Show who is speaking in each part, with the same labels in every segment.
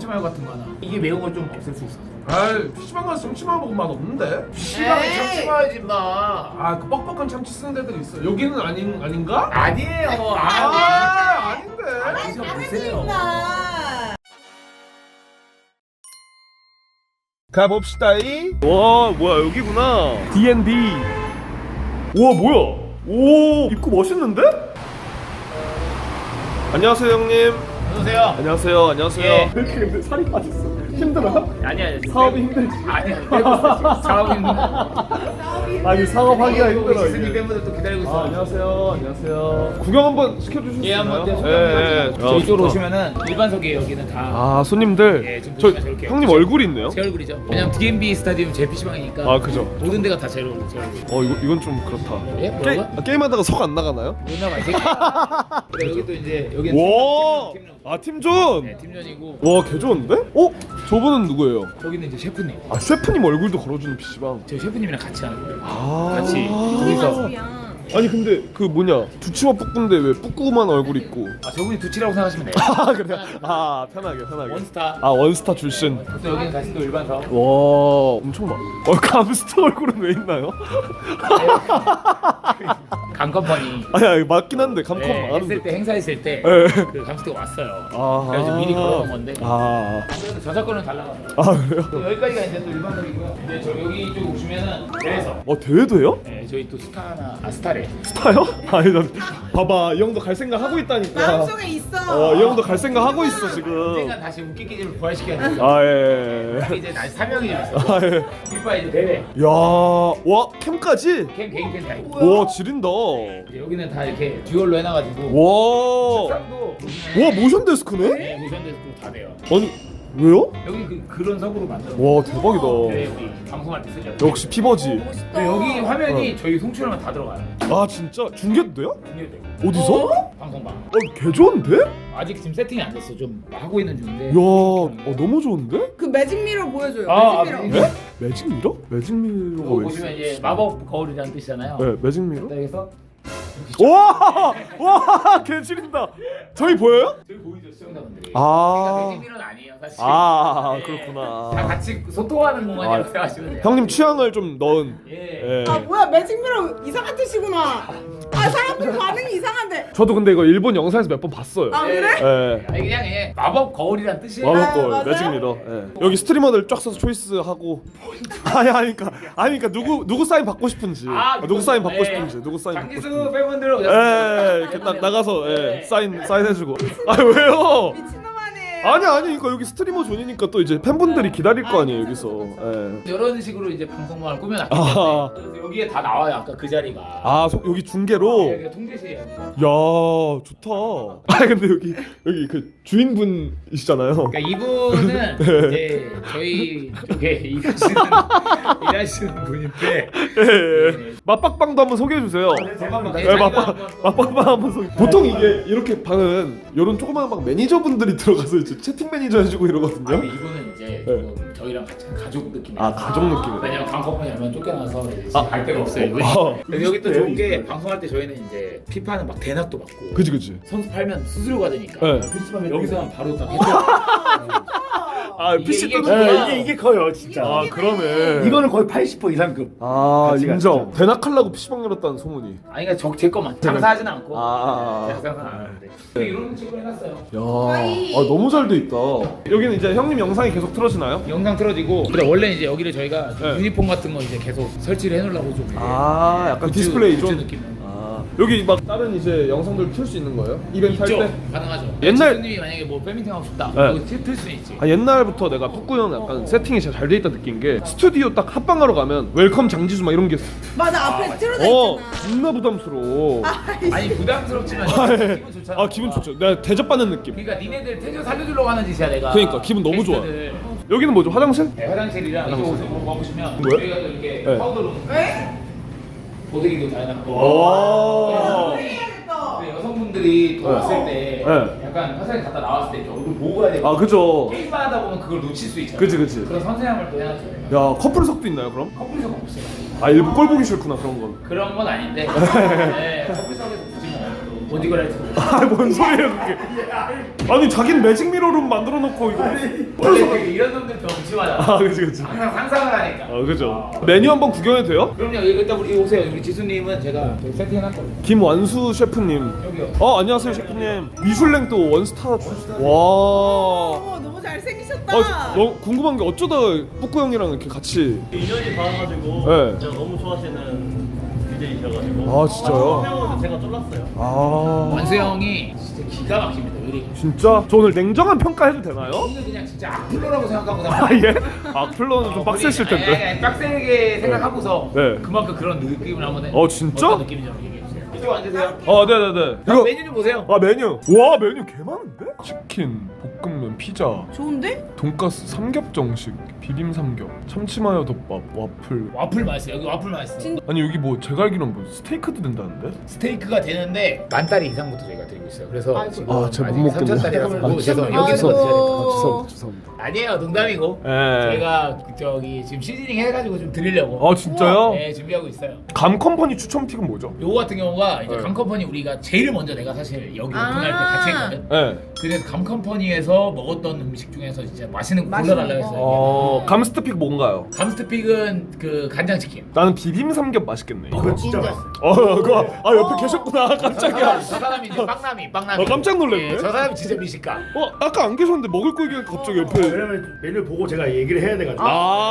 Speaker 1: 참치마요 같은 거 하나. 이게 매운 걸 좀 없앨 수 있어.
Speaker 2: 아이 PC방 가서 참치마요 먹으면 맛 없는데?
Speaker 1: PC방에
Speaker 3: 에이.
Speaker 1: 참치마요지 마.
Speaker 2: 아 그 뻑뻑한 참치 쓰는 데들 있어. 여기는 아닌가?
Speaker 1: 아니에요.
Speaker 2: 아닌데.
Speaker 1: 드셔보세요.
Speaker 2: 가봅시다이. 와 뭐야 여기구나. D&B. 우와 뭐야? 오 입구 멋있는데? 안녕하세요 형님.
Speaker 1: 어서오세요.
Speaker 2: 안녕하세요. 안녕하세요.
Speaker 1: 예.
Speaker 2: 왜 이렇게 근데 살이 빠졌어? 힘들어?
Speaker 1: 아니야.
Speaker 2: 사업이 힘들지.
Speaker 1: 아니야. 사업이 힘들어.
Speaker 2: 아니 사업하기가 힘들어.
Speaker 1: 시스님
Speaker 2: 이게.
Speaker 1: 팬분들 또 기다리고 있어.
Speaker 2: 안녕하세요. 안녕하요. 구경 한번 시켜주실 수
Speaker 1: 예,
Speaker 2: 있나요?
Speaker 1: 한번
Speaker 2: 예.
Speaker 1: 저희 쪽으로 오시면은 일반석이에요. 여기는 다.
Speaker 2: 아 손님들.
Speaker 1: 예, 지금
Speaker 2: 저
Speaker 1: 보시면 저렇게.
Speaker 2: 형님 얼굴이 있네요.
Speaker 1: 제 얼굴이죠. 왜냐면 D&B 스타디움 제 PC방이니까.
Speaker 2: 아 그죠.
Speaker 1: 모든 데가 다 제 얼굴.
Speaker 2: 이건 좀 그렇다.
Speaker 1: 예? 뭐라고요?
Speaker 2: 게임하다가 석 안 나가나요?
Speaker 1: 누나 말이야. 여기 또 이제 여기는
Speaker 2: 와.
Speaker 1: 팀전.
Speaker 2: 아 팀존.
Speaker 1: 네, 팀전이고.
Speaker 2: 와 개 좋은데? 저분은 누구예요?
Speaker 1: 저기는 이제 셰프님.
Speaker 2: 아 셰프님 얼굴도 걸어주는 PC방.
Speaker 1: 저희 셰프님이랑 같이 하는 거예요.
Speaker 2: 아
Speaker 1: 같이
Speaker 3: 우리가
Speaker 1: 둘이서.
Speaker 3: 집이야.
Speaker 2: 아니 근데 그 뭐냐 두치와 뿌꾸인데 왜 뿌꾸만 얼굴 있고?
Speaker 1: 아 저분이 두치라고 생각하시면 돼요.
Speaker 2: 아 그래? 아 편하게.
Speaker 1: 원스타.
Speaker 2: 아 원스타 출신.
Speaker 1: 또 여기는 다시 또 일반석.
Speaker 2: 와 엄청 많아. 감스터 얼굴은 왜 있나요?
Speaker 1: 강컴퍼니.
Speaker 2: 아니 맞긴 한데 감컴
Speaker 1: 네, 했을
Speaker 2: 많은데.
Speaker 1: 때 행사했을 때
Speaker 2: 네.
Speaker 1: 그 감스터가 왔어요.
Speaker 2: 아하.
Speaker 1: 그래서 미리 걸어놓은 건데.
Speaker 2: 아.
Speaker 1: 그래서 저작권은 달라가요.
Speaker 2: 아 그래요?
Speaker 1: 또 여기까지가 이제 또 일반석이고요. 이제 저 여기 쪽 오시면은 대회석.
Speaker 2: 대회도 해요?
Speaker 1: 네, 저희 또 스타래.
Speaker 2: 스타요? 아니 난 봐봐 이 형도 갈 생각 하고 있다니까.
Speaker 3: 마음속에 있어.
Speaker 2: 이 형도 갈 생각 하고 있어 지금.
Speaker 1: 언젠간 다시 웃기기를 부활시켜야 돼요.
Speaker 2: 아 예.
Speaker 1: 이제 다시 사명이 좀 있어.
Speaker 2: 아 예.
Speaker 1: 이빠 이제 대회.
Speaker 2: 와 캠까지?
Speaker 1: 캠 개인 캠 다 있고.
Speaker 2: 와 지린다.
Speaker 1: 이제 여기는 다 이렇게 듀얼로 해놔가지고.
Speaker 2: 와.
Speaker 1: 책상도
Speaker 2: 와 모션 데스크네?
Speaker 1: 네, 모션 데스크도 다 돼요.
Speaker 2: 아니 왜요?
Speaker 1: 여기 그런 석으로 만들어.
Speaker 2: 와 대박이다.
Speaker 1: 네, 여기 방송할 때 쓰죠.
Speaker 2: 역시 피버지.
Speaker 3: 멋있다.
Speaker 1: 네, 여기 화면이 저희 송출하면 다 들어가요.
Speaker 2: 아 진짜 중계도 돼요?
Speaker 1: 중계되고.
Speaker 2: 어디서?
Speaker 1: 방송방.
Speaker 2: 개 좋은데?
Speaker 1: 아직 지금 세팅이 안 됐어. 좀 하고 있는 중인데.
Speaker 2: 야, 너무 좋은데?
Speaker 3: 그 매직 미러 보여줘요.
Speaker 1: 아,
Speaker 3: 매직 미러.
Speaker 2: 네? 매직 미러? 매직 미러가
Speaker 1: 이거
Speaker 2: 왜
Speaker 1: 보시면
Speaker 2: 있어?
Speaker 1: 이제 마법 거울이라는 뜻이잖아요.
Speaker 2: 네, 매직 미러?
Speaker 1: 그래서
Speaker 2: 와, 와, 개 지린다. 저희 보여요?
Speaker 1: 저기 보이죠 시청자분들이.
Speaker 2: 아.
Speaker 1: 그러니까 매직미러는 아니에요 사실.
Speaker 2: 아,
Speaker 1: 네.
Speaker 2: 그렇구나.
Speaker 1: 다 같이 소통하는 공간이라고 생각하시면 돼요.
Speaker 2: 형님 취향을 좀 넣은.
Speaker 1: 예.
Speaker 2: 예.
Speaker 3: 아 뭐야 매직 미러 이상한 뜻이구나. 아 사람들 반응이 이상한데.
Speaker 2: 저도 근데 이거 일본 영상에서 몇 번 봤어요.
Speaker 3: 아 그래?
Speaker 2: 예.
Speaker 1: 아니 그냥 예. 마법 거울이라는 뜻이에요.
Speaker 2: 마법 거울,
Speaker 3: 맞아요?
Speaker 2: 매직 미러. 예. 여기 스트리머들 쫙 써서 초이스하고. 아니, 그러니까 누구 사인 받고 싶은지. 누구 사인 받고 싶은지. 누구 사인 받고 싶은지.
Speaker 1: 장기수 팬분들 오셨습니다.
Speaker 2: 예, 이렇게 딱 나가서 사인 해주고. 아 왜요?
Speaker 3: 미친놈아네.
Speaker 2: 아니 그러니까 여기 스트리머 존이니까 또 이제 팬분들이 기다릴 거 아니에요 여기서. 예.
Speaker 1: 이런 식으로 이제 방송망을 꾸며놨기
Speaker 2: 아.
Speaker 1: 때문에 그래서 여기에 다 나와요. 아까 그 자리가.
Speaker 2: 여기 중계로.
Speaker 1: 여기가 통제실이에요.
Speaker 2: 야 좋다. 근데 여기 그 주인분이시잖아요.
Speaker 1: 그러니까 이분은 이제 저희 쪽에 일하시는 분인데
Speaker 2: 예. 맛박방도 한번 소개해 주세요.
Speaker 1: 네,
Speaker 2: 맛박방 한번 소개. 보통 이게 이렇게 방은 이런 조그마한 방 매니저분들이 들어가서 이제 채팅 매니저 해주고 이러거든요.
Speaker 1: 아니 이분은 이제 조금 저희랑 같이 가족 느낌이에요.
Speaker 2: 아 가족 느낌이에요.
Speaker 1: 왜냐면 강커플이 하면 쫓겨나서 이제 갈 데가 없어요. 이분이.
Speaker 2: 아.
Speaker 1: 그래서 여기 또 좋은 게 방송할 때 저희는 이제 피파는 막 대낮도 받고
Speaker 2: 그지.
Speaker 1: 선수 팔면 수수료가 되니까
Speaker 2: 네.
Speaker 1: 여기서 바로 딱 해줘.
Speaker 2: PC
Speaker 1: 이게
Speaker 2: 또
Speaker 4: 이게 커요 진짜.
Speaker 2: 아 그러네.
Speaker 4: 이거는 거의 80% 이상급.
Speaker 2: 인정.
Speaker 4: 진짜.
Speaker 2: 대낙하려고 PC방 열었다는 소문이.
Speaker 1: 아니 그러니까 제 것만 장사하진 않고
Speaker 2: 아.
Speaker 1: 장사는 안 하는데 이런 식으로 해놨어요.
Speaker 2: 야, 너무 잘 돼 있다. 여기는 이제 형님 영상이 계속 틀어지나요?
Speaker 1: 영상 틀어지고 근데 원래 이제 여기를 저희가 좀
Speaker 2: 네.
Speaker 1: 유니폼 같은 거 이제 계속 설치를 해놓으려고 좀
Speaker 2: 약간 디스플레이 좀.
Speaker 1: 느낌
Speaker 2: 여기 막 다른 이제 영상들 틀 수 있는 거예요? 이벤트
Speaker 1: 있죠.
Speaker 2: 할 때?
Speaker 1: 가능하죠.
Speaker 2: 옛날-
Speaker 1: 지수님이 만약에 뭐 팬미팅 하고 싶다
Speaker 2: 네.
Speaker 1: 이거 틀수 있지.
Speaker 2: 옛날부터 내가 푸꾸형 약간 세팅이 진짜 잘 돼 있다 느낀 게 스튜디오 딱 합방하러 가면 웰컴 장지수 막 이런 게
Speaker 3: 맞아 앞에 틀어져 있잖아.
Speaker 2: 존나 부담스러워.
Speaker 1: 아니 부담스럽지만 기분 좋잖아.
Speaker 2: 기분 좋죠. 내가 대접받는 느낌.
Speaker 1: 그러니까 니네들 텐션 살려주려고 하는 짓이야 내가.
Speaker 2: 그러니까 기분 너무 좋아.
Speaker 1: 게스트들.
Speaker 2: 여기는 뭐죠? 화장실?
Speaker 1: 네, 화장실이랑 이쪽으로 와보시면
Speaker 2: 뭐야?
Speaker 1: 저희가 또 이렇게
Speaker 2: 네.
Speaker 1: 파우더로
Speaker 3: 왜?
Speaker 1: 보드기도 다 해놨고
Speaker 2: 오.
Speaker 3: 해야겠다.
Speaker 1: 근데 여성분들이 더 왔을 때
Speaker 2: 네.
Speaker 1: 약간 화장실 갔다 나왔을 때 이렇게 얼굴 보고 가야 되고
Speaker 2: 그죠.
Speaker 1: 게임만 하다 보면 그걸 놓칠 수 있잖아.
Speaker 2: 그치.
Speaker 1: 그런 선생님을 또 해놨죠.
Speaker 2: 야 커플석도 있나요 그럼?
Speaker 1: 커플석 없어요.
Speaker 2: 일부 꼴 보기 싫구나 그런 건.
Speaker 1: 그런 건 아닌데 네, 커플석에서 굳이 뭐 어디가 라이트?
Speaker 2: 아뭔 소리예요 그게? 아니 자기는 매직 미러룸 만들어 놓고 이거.
Speaker 1: 원래 이런 놈들 좀 심하잖아.
Speaker 2: 아 그치.
Speaker 1: 항상 상상을 하니까.
Speaker 2: 그죠. 메뉴 한번 구경해도 돼요?
Speaker 1: 그럼요. 일단 우리 오세요. 우리 지수님은 제가 세팅해놨거든요.
Speaker 2: 김완수 셰프님.
Speaker 1: 여기요.
Speaker 2: 안녕하세요 셰프님. 미슐랭 또 원스타 출신. 와.
Speaker 3: 너무 잘생기셨다.
Speaker 2: 너무 궁금한 게 어쩌다 뿌꾸 형이랑 이렇게 같이.
Speaker 5: 인연이 닿아가지고
Speaker 2: 네.
Speaker 5: 제가 너무 좋아하시는 BJ이셔가지고
Speaker 2: 아 진짜요?
Speaker 5: 형 제가 쫄랐어요.
Speaker 2: 아
Speaker 1: 완수 형이 진짜 기가 막힙니다. 요리.
Speaker 2: 진짜? 저 오늘 냉정한 평가해도 되나요?
Speaker 1: 오늘 그냥 진짜 악플러라고 생각하고
Speaker 2: 아 예? 악플러는 좀 빡셌을 텐데.
Speaker 1: 빡세게 생각하고서
Speaker 2: 네.
Speaker 1: 그만큼 그런 느낌을 한번 해.
Speaker 2: 진짜?
Speaker 1: 어떤 느낌인지 한번 얘기해 주세요. 이쪽 앉으세요.
Speaker 2: 네네네.
Speaker 1: 이거 메뉴 좀 보세요.
Speaker 2: 메뉴. 와 메뉴 개 많은데? 치킨, 볶음면, 피자,
Speaker 3: 좋은데?
Speaker 2: 돈가스, 삼겹정식, 비빔 삼겹, 참치마요 덮밥, 와플.
Speaker 1: 와플 맛있어요. 여기 와플 맛있어.
Speaker 3: 진-
Speaker 2: 아니 여기 뭐 제가 알기로는 뭐 스테이크도 된다는데?
Speaker 1: 스테이크가 되는데 10,000달러 이상부터 저희가 드리고 있어요. 그래서
Speaker 3: 아이고.
Speaker 1: 지금
Speaker 2: 제가 못
Speaker 1: 아직
Speaker 2: 먹겠네.
Speaker 1: 3,000달러라서 죄송해요.
Speaker 3: 아이고.
Speaker 1: 여기서 드셔야 될것
Speaker 2: 죄송합니다. 죄송합니다.
Speaker 1: 아니에요. 농담이고.
Speaker 2: 예.
Speaker 1: 저희가 저기 지금 시즈닝 해가지고 좀 드리려고.
Speaker 2: 진짜요?
Speaker 1: 네, 준비하고 있어요.
Speaker 2: 감 컴퍼니 추천 픽은 뭐죠?
Speaker 1: 요거 같은 경우가 이제
Speaker 2: 네.
Speaker 1: 감컴퍼니 우리가 제일 먼저 내가 사실 여기 오픈할 때 같이 했거든.
Speaker 2: 네.
Speaker 1: 그래서 감컴퍼니에서 먹었던 음식 중에서 진짜 맛있는 거
Speaker 3: 맛있는
Speaker 1: 골라달라고
Speaker 3: 거.
Speaker 1: 했어요.
Speaker 2: 감스트 픽 뭔가요?
Speaker 1: 감스트픽은 그 간장치킨.
Speaker 2: 나는 비빔 삼겹 맛있겠네.
Speaker 4: 그거 진짜
Speaker 3: 인정.
Speaker 4: 맛있어.
Speaker 2: 그거 옆에 계셨구나 깜짝이야.
Speaker 1: 저 사람이 이제 빵남이.
Speaker 2: 깜짝 놀랐네.
Speaker 1: 저 사람이 진짜 미식가.
Speaker 2: 아까 안 계셨는데 먹을 거 얘기하니까 갑자기 옆에.
Speaker 4: 왜냐면 메뉴 보고 제가 얘기를 해야 돼가지고.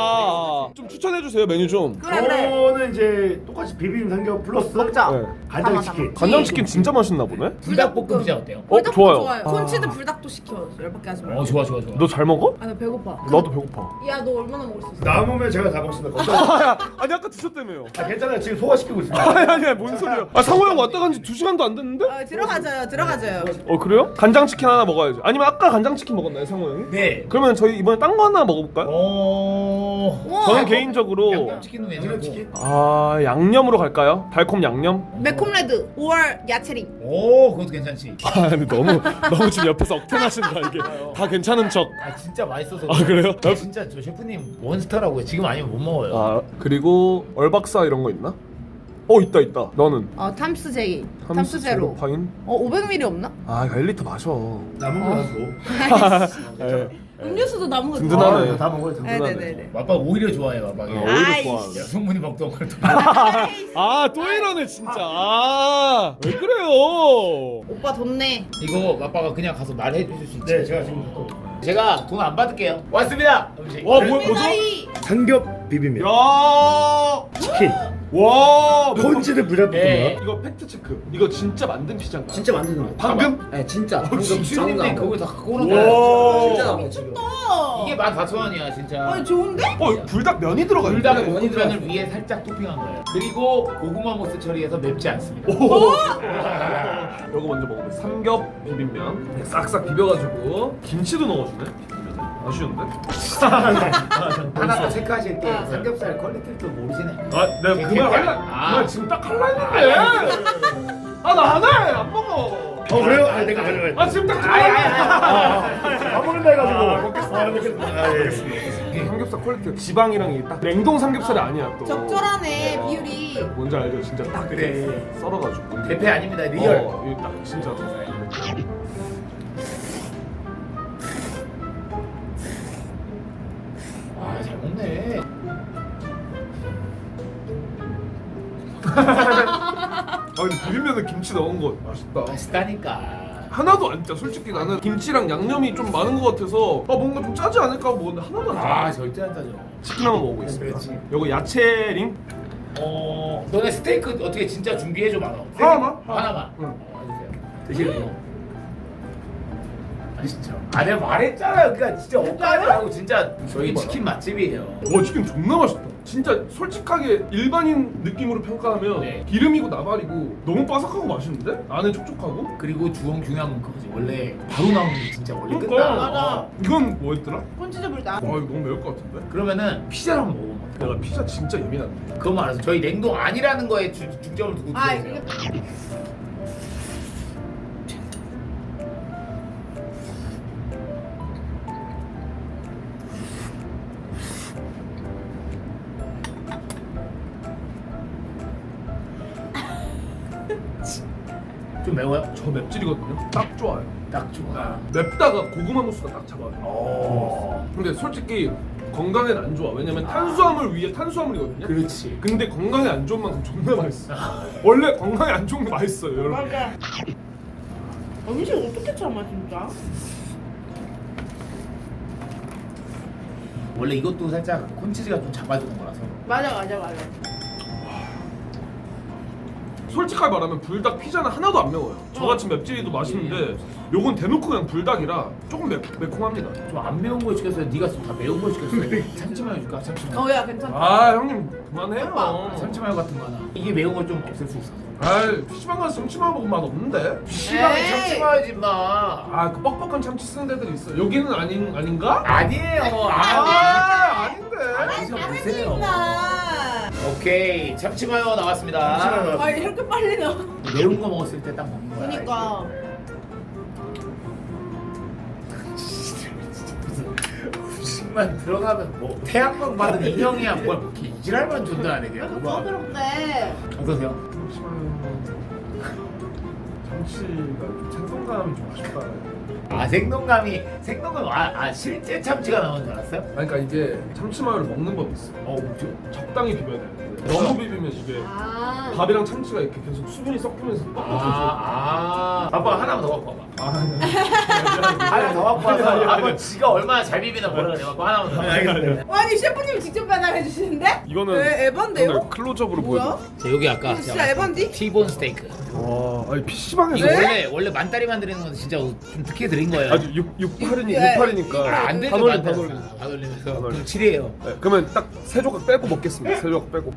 Speaker 2: 좀 추천해 주세요 메뉴 좀.
Speaker 3: 그래 그래.
Speaker 4: 저는 이제 똑같이 비빔 삼겹 플러스
Speaker 3: 먹자.
Speaker 2: 네.
Speaker 4: 간장치킨.
Speaker 2: 간장치킨 진짜 맛있나 보네.
Speaker 1: 불닭볶음 피자 어때요?
Speaker 3: 불닭도
Speaker 2: 좋아요.
Speaker 3: 콘치드 불닭도 시켜. 열받게 하지 마.
Speaker 1: 좋아.
Speaker 2: 너 잘 먹어?
Speaker 3: 아 나 배고파.
Speaker 2: 나도 배고파.
Speaker 3: 야 너 얼마나 먹을 수 있어?
Speaker 4: 남으면 제가 다 먹습니다. 걱정.
Speaker 2: 아니 아까 드셨다며요.
Speaker 4: 괜찮아요. 지금 소화시키고 있습니다.
Speaker 2: 아니 뭔 소리야. 상호 형 왔다 간 지 2시간도 안 됐는데?
Speaker 3: 들어가져요.
Speaker 2: 그래요? 간장치킨 하나 먹어야지. 아니면 아까 간장치킨 먹었나요 상호 형이?
Speaker 1: 네.
Speaker 2: 그러면 저희 이번에 딴 거 하나 먹어볼까요?
Speaker 3: 우와.
Speaker 2: 저는 개인적으로
Speaker 1: 양념치킨은 괜찮고.
Speaker 4: 양념치킨?
Speaker 2: 양념으로 갈까요? 달콤 양념?
Speaker 3: 매콤레드 5월 야채링.
Speaker 1: 오, 그것도 괜찮지.
Speaker 2: 근데 너무 지금 옆에서 억텐하신다 이게. 다 괜찮은 척.
Speaker 1: 진짜 맛있어서.
Speaker 2: 그래요?
Speaker 1: 진짜 저 셰프님 원스타라고요. 지금 아니면 못 먹어요.
Speaker 2: 그리고 얼박사 이런 거 있나? 있다. 너는?
Speaker 3: 탐스 제이. 탐스 제로.
Speaker 2: 파인?
Speaker 3: 500ml 없나?
Speaker 2: 1리터 마셔.
Speaker 4: 남은 거 하고.
Speaker 2: 네.
Speaker 3: 음료수도 남은 거.
Speaker 2: 든든하네.
Speaker 4: 다 먹어요. 다 먹어요.
Speaker 3: 네네네.
Speaker 1: 맛박 오히려 좋아해 맛박이.
Speaker 2: 오히려
Speaker 3: 아이씨.
Speaker 2: 좋아하네.
Speaker 1: 여성분이 먹던 걸 또.
Speaker 2: 또 이러네 진짜. 왜 그래요?
Speaker 3: 오빠 돈내.
Speaker 1: 이거 맛박아 그냥 가서 말해 주실 수 있지?
Speaker 4: 네, 제가 지금 갖고
Speaker 1: 제가 돈 안 받을게요. 왔습니다. 음식.
Speaker 2: 뭐죠?
Speaker 4: 삼겹 비빔면.
Speaker 2: 야.
Speaker 4: 치킨.
Speaker 2: 와.
Speaker 4: 콘치드 불닭볶음면.
Speaker 1: 네.
Speaker 2: 이거 팩트 체크. 이거 진짜 만든 피자인가?
Speaker 6: 진짜 만드는 거야.
Speaker 2: 방금?
Speaker 6: 네, 진짜. 방금
Speaker 1: 지수님이
Speaker 6: 나온
Speaker 1: 그걸
Speaker 6: 거.
Speaker 1: 다 갖고 오는
Speaker 2: 와.
Speaker 1: 거야.
Speaker 6: 진짜 나온 거 지금.
Speaker 1: 이게 14,000원이야 진짜.
Speaker 3: 좋은데?
Speaker 2: 불닭 면이 들어가 있네.
Speaker 1: 불닭 볶음면을 위에 살짝 토핑한 거예요. 그리고 고구마 모스 처리해서 맵지 않습니다.
Speaker 2: 이거 먼저 먹어볼게요. 삼겹 비빔면 싹싹 비벼가지고 김치도 넣어주네. 아쉬운데?
Speaker 1: 하나 더 체크하실 때 삼겹살 퀄리티를 또 모르시네.
Speaker 2: 내가 그 말 할라. 그 말 지금 딱 할라 했는데. 나 안 해. 안 먹어.
Speaker 4: 그래요? 내가 가져가요.
Speaker 2: 지금 딱
Speaker 4: 안 먹는다 해가지고.
Speaker 2: 이 삼겹살 퀄리티 지방이랑 이게 딱 냉동 삼겹살이 아니야 또.
Speaker 3: 적절하네 비율이.
Speaker 2: 뭔지 알죠? 진짜 딱
Speaker 1: 그래.
Speaker 2: 썰어가지고.
Speaker 1: 대패 아닙니다 리얼.
Speaker 2: 이게 딱 진짜.
Speaker 1: 잘 먹네.
Speaker 2: 근데 비빔면에 김치 넣은 거 맛있다.
Speaker 1: 맛있다니까.
Speaker 2: 하나도 안 짜. 솔직히 나는 김치랑 양념이 좀 많은 것 같아서 뭔가 좀 짜지 않을까 하고 먹는데 하나도 안 짜.
Speaker 1: 절대 안 짜죠.
Speaker 2: 치킨 한번 먹어보겠습니다.
Speaker 1: 그렇지.
Speaker 2: 요거 야채링.
Speaker 1: 너네 스테이크 어떻게 진짜 준비해줘 많아. 하나만.
Speaker 2: 응.
Speaker 1: 해주세요. 드시고. 진짜. 내가 말했잖아요. 그러니까 진짜 엇가지 말고 진짜 저희 치킨 맛집이에요.
Speaker 2: 치킨 존나 맛있다. 진짜 솔직하게 일반인 느낌으로 평가하면
Speaker 1: 네.
Speaker 2: 기름이고 나발이고 너무 바삭하고 맛있는데? 안에 촉촉하고?
Speaker 1: 그리고 중요한 건 그거지. 원래 바로 나오는 게 진짜 원래
Speaker 2: 그러니까.
Speaker 1: 끝나.
Speaker 3: 맞아.
Speaker 2: 이건 뭐였더라?
Speaker 3: 콘치즈 불닭.
Speaker 2: 이거 너무 매울 것 같은데?
Speaker 1: 그러면은 피자를 한번 먹어봐.
Speaker 2: 내가 피자 진짜 예민한데.
Speaker 1: 그것만 알아서 저희 냉동 아니라는 거에 중점을 두고 드세요.
Speaker 3: 이게
Speaker 1: 좀 매워요?
Speaker 2: 저 맵찔이거든요. 딱 좋아요.
Speaker 1: 딱 좋아.
Speaker 2: 맵다가 고구마 무스가 딱 잡아요.
Speaker 1: 오.
Speaker 2: 근데 솔직히 건강엔 안 좋아. 왜냐면 탄수화물 위에 탄수화물이거든요.
Speaker 1: 그렇지.
Speaker 2: 근데 건강에 안 좋은 만큼 존나 맛있어. 원래 건강에 안 좋은 게 맛있어요, 여러분.
Speaker 3: 맞아. 음식 어떻게 참아 진짜?
Speaker 1: 원래 이것도 살짝 콘치즈가 좀 잡아주는 거라서.
Speaker 3: 맞아.
Speaker 2: 솔직하게 말하면 불닭 피자는 하나도 안 매워요. 저같이 맵찔이도 맛있는데 요건 대놓고 그냥 불닭이라 조금 매콤합니다.
Speaker 1: 좀 안 매운 거 시켰어요. 네가 지금 다 매운 거 시켰어요. 참치마요 줄까? 참치마요.
Speaker 3: 어야 괜찮다.
Speaker 2: 아 형님 그만해요.
Speaker 1: 참치마요 같은 거 하나. 이게 매운 걸 좀 없앨 수 있어.
Speaker 2: 아이 PC방 가서 참치마요 먹으면 맛 없는데?
Speaker 1: 시방에
Speaker 3: 에이.
Speaker 1: 참치마요지 마.
Speaker 2: 아 그 뻑뻑한 참치 쓰는 데들 있어. 여기는 아닌가?
Speaker 1: 아니에요.
Speaker 2: 아닌데.
Speaker 1: 보세요. 오케이 참치마요 나왔습니다.
Speaker 3: 아 이렇게 빨리 넣어.
Speaker 1: 매운 거 먹었을 때 딱 먹는 거야.
Speaker 3: 그니까.
Speaker 1: 음식만 들어가면 뭐 태양광 받은 인형이야 뭘 이렇게 이지랄만 존재하네
Speaker 3: 왜
Speaker 1: 그냥.
Speaker 3: 이렇게 부드럽대?
Speaker 1: 어떠세요?
Speaker 2: 참치가 좀 생동감이 좀 아쉽다.
Speaker 1: 아 생동감 실제 참치가 나온 줄 알았어요?
Speaker 2: 그러니까 이게 참치마요를 먹는 법이 있어.
Speaker 1: 뭐죠?
Speaker 2: 적당히 비벼야 되는데 너무 비비면 이게
Speaker 3: 아.
Speaker 2: 밥이랑 참치가 이렇게 계속 수분이 섞이면서 뻑뻑해져.
Speaker 1: 아빠 하나만 더 갖고 와봐.
Speaker 2: 아니.
Speaker 1: 하나 더 갖고 와서 아빠 지가 얼마나 잘 비비나 모르겠네. 아빠 하나만 더.
Speaker 3: 아니 셰프님 직접 배달해 주시는데?
Speaker 2: 이거는
Speaker 3: 왜 에반데요?
Speaker 2: 이거는 클로즈업으로
Speaker 3: 뭐야?
Speaker 2: 보여줘.
Speaker 1: 자 여기 아까
Speaker 3: 이거 진짜 에반디?
Speaker 1: T-본 스테이크.
Speaker 2: 와, 아니 PC방에서
Speaker 3: 네?
Speaker 1: 이거 원래 만다리 만드는 건 진짜 좀 특혜 드린 거예요.
Speaker 2: 아주 6팔이니까
Speaker 1: 안 되죠
Speaker 2: 반올림
Speaker 1: 만다리.
Speaker 2: 반올림.
Speaker 1: 반올리면서
Speaker 2: 반올림.
Speaker 1: 그럼 7이에요.
Speaker 2: 네, 그러면 딱 세 조각 빼고 먹겠습니다. 세 조각 빼고.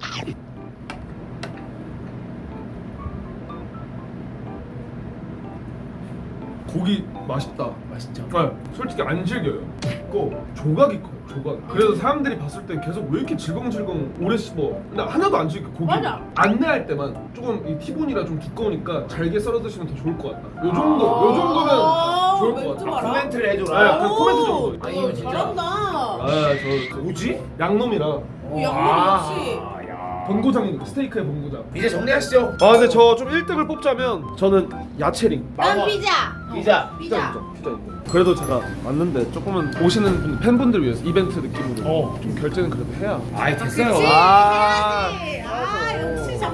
Speaker 2: 고기 맛있다.
Speaker 1: 맛있죠?
Speaker 2: 네, 솔직히 안 질겨요. 있고 조각이 커요. 조각. 그래서 사람들이 봤을 때 계속 왜 이렇게 질겅질겅 오래 씹어. 근데 하나도 안 질겨. 고기
Speaker 3: 맞아.
Speaker 2: 안내할 때만 조금 이 티본이라 좀 두꺼우니까 잘게 썰어 드시면 더 좋을 것 같다. 요 정도면 좋을 것
Speaker 3: 멘트
Speaker 2: 같아.
Speaker 3: 봐라.
Speaker 1: 코멘트를
Speaker 2: 네,
Speaker 1: 해줘라.
Speaker 2: 그 코멘트 정도.
Speaker 1: 아니, 이거 진짜.
Speaker 3: 잘한다.
Speaker 2: 저
Speaker 1: 뭐지?
Speaker 2: 양놈이라
Speaker 3: 양념 역시.
Speaker 2: 본고장 스테이크의 본고장.
Speaker 1: 이제 정리하시죠.
Speaker 2: 아 근데 저 좀 1등을 뽑자면 저는 야채링.
Speaker 3: 난 피자.
Speaker 1: 피자.
Speaker 3: 피자.
Speaker 2: 피자인데. 그래도 제가 왔는데 조금은 오시는 분, 팬분들 위해서 이벤트 느낌으로 좀 결제는 그래도 해야.
Speaker 1: 아이 됐어요.
Speaker 3: 그치?
Speaker 2: 아.
Speaker 3: 해야지. 아 역시 장.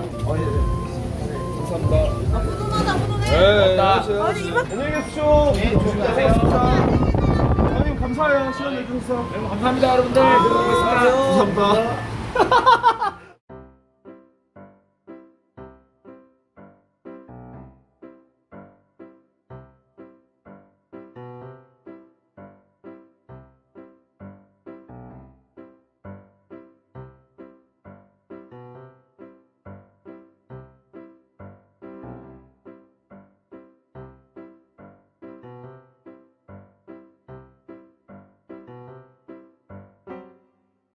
Speaker 2: 감사합니다.
Speaker 3: 훈훈하다 훈훈해.
Speaker 2: 네,
Speaker 1: 고맙다.
Speaker 3: 아니, 이만-
Speaker 2: 안녕히 계십시오.
Speaker 1: 네, 조심하세요.
Speaker 2: 형님 감사해요. 시간 내주셔서.
Speaker 1: 감사합니다 여러분들.
Speaker 2: 감사합니다.